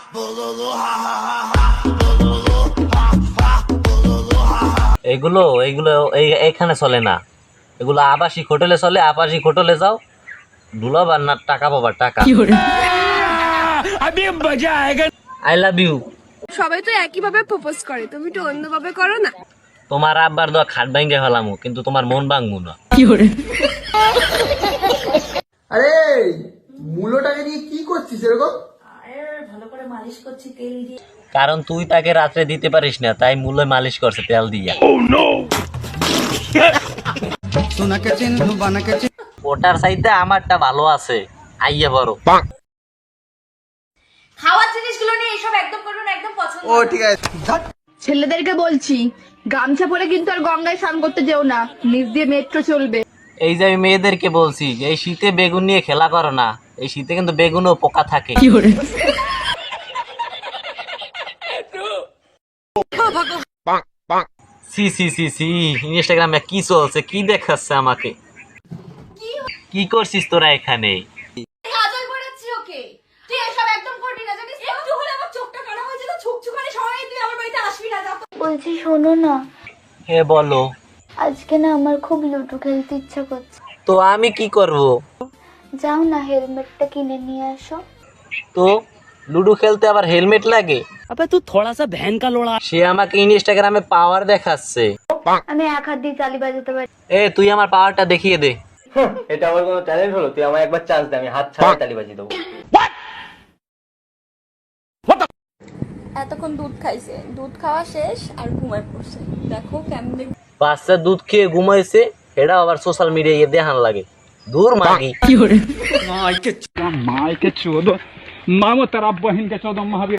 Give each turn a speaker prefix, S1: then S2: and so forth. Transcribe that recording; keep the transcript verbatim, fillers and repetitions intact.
S1: এগুলো এগুলো এইখানে চলে না, এগুলো আবাসিক হোটেলে চলে। আবাসিক হোটেলে যাও, দুলাবার না টাকা পাবা টাকা। I love you.
S2: সবাই তো একই ভাবে প্রপোজ করে, তুমি একটু অন্যভাবে করো না।
S1: তোমার আব্বার দোয়া খাট ভাঙ্গে ফেলামু, কিন্তু তোমার মন ভাঙবো না।
S3: আরে মূলোটাকে নিয়ে কি করছিস এরকম?
S4: ভালো করে মালিশ করছি তেল দিয়ে।
S1: কারণ তুই তাকে রাত্রে দিতে পারিস না, তাই মূল্য মালিশ করছে তেল দিয়া। ওটার চাইতে আমারটা ভালো আছে, আইয়া বড়।
S4: খাওয়ার জিনিসগুলো নিয়ে এসব একদম করুন, একদম পছন্দ।
S3: ও ঠিক আছে।
S2: ছেলেদেরকে বলছি, গামছা পরে কিন্তু আর গঙ্গায় স্নান করতে যেও না, নিচ দিয়ে মেট্রো চলবে।
S1: এই যে আমি মেয়েদেরকে বলছি যে এই শীতে বেগুন নিয়ে খেলা করো না, এই শীতে কিন্তু বেগুনও পোকা থাকে। সি সি সি সি ইনস্টাগ্রামে কি চলছে, কি দেখাচ্ছে আমাকে? কি করছিস তোরা এখানে?
S4: কাজল পড়াচ্ছি ওকে। তুই এসব একদম করবি না, জানিস? একটু হলে আমার চোখটা খারাপ হয়ে যেত, ছুকছুকানি সবাই, তুই আমার বাড়িতে আসবি না। যা।
S5: বলছি শোনো না,
S1: হে বলো।
S5: আজকে না আমার খুব লুডো খেলতে ইচ্ছা করছে।
S1: তো আমি কি করব?
S5: যাও না, হেলমেটটা কিনে নিয়ে আসো।
S1: তো লুডো খেলতে আবার হেলমেট লাগে?
S6: अबे तू थोड़ा सा बहन का लोड़ा।
S1: সে আমাকে ইনস্টাগ্রামে পাওয়ার দেখাচ্ছে।
S5: আমি এক হাত দিয়ে তালি বাজাতে পারি।
S1: এ তুই আমার পাওয়ারটা দেখিয়ে দে।
S7: এটা আমার কোনো ট্যালেন্ট হলো? তুই আমায় একবার চান্স দে, আমি হাত ছাড়া তালি বাজিয়ে দেবো।
S4: এতক্ষণ দুধ খাইছে, দুধ খাওয়া শেষ আর ঘুমায় পড়ছে। দেখো কেমনে।
S1: বাচ্চা দুধ খেয়ে ঘুমাইছে, এটা আবার সোশ্যাল মিডিয়ায় দেখান লাগে। দূর মাগি।
S6: मायके चोदो, मामो तेरा बहन के चोदो महावीर।